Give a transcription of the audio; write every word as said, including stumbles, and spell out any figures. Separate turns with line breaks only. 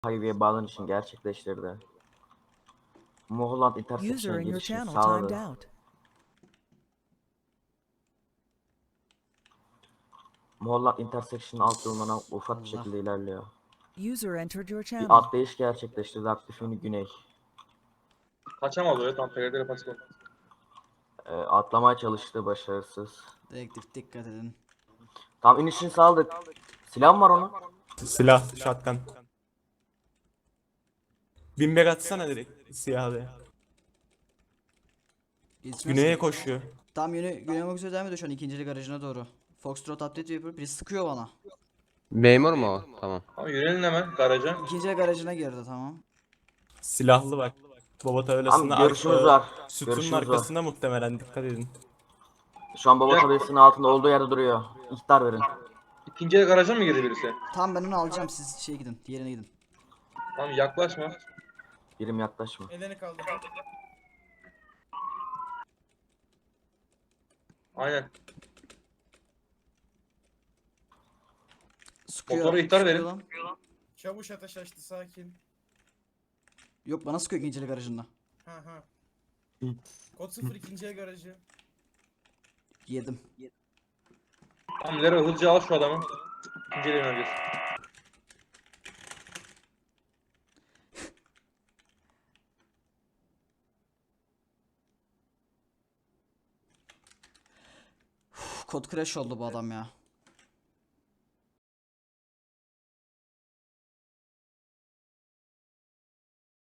highway'e bağlanışını gerçekleştirdi. Mulholland
User
Intersection'a
in your
girişini
channel timed
sağladı.
out.
Mulholland Intersection'ın alt yoluna ufak bir
Allah.
şekilde ilerliyor.
User entered your
Bir
channel.
atlayış gerçekleştirdi aktif yönü güney.
Kaçamaz öyle tam P R D pasaport.
Ee, atlamaya çalıştı, başarısız.
Dedektif dikkat edin.
Tam inişini sağladık. Silah mı var onun?
Silah, shotgun. Binbek atsana direkt siyahlı.
Yetişmez
Güneye
ki.
koşuyor.
Tam yönü güney olmak üzere devam ediyor şu an ikinci garajına doğru. Foxtrot update yapıyor. Biri sıkıyor bana.
Memur mu o? Tamam.
Tamam yönelin hemen garaja.
İkinci garajına girdi tamam.
Silahlı bak. Baba tabelasında
Tamam, görüşümüz
arka-
var.
sütunun
Görüşümüz var.
arkasında muhtemelen dikkat edin.
Şu an baba tabelasının altında olduğu yerde duruyor. İhtar verin.
İkinci el garaja mı girdi birisi?
Tam ben onu alacağım siz şey gidin. Diğerine gidin.
Tamam yaklaşma.
Birim yaklaşma.
Elini kaldır.
Aynen.
Sıkıyor.
Motora ihtar
sıkıyor
verin.
lan.
Çavuş ateş açtı sakin.
Yok bana sıkıyor ikinci garajında.
Ha ha. Kod sıfır ikinci el garajı.
Yedim.
Tamam Lero hızlıca al şu adamı. İkinci ele yöneleceğiz.
Uf, kod crash oldu bu adam ya.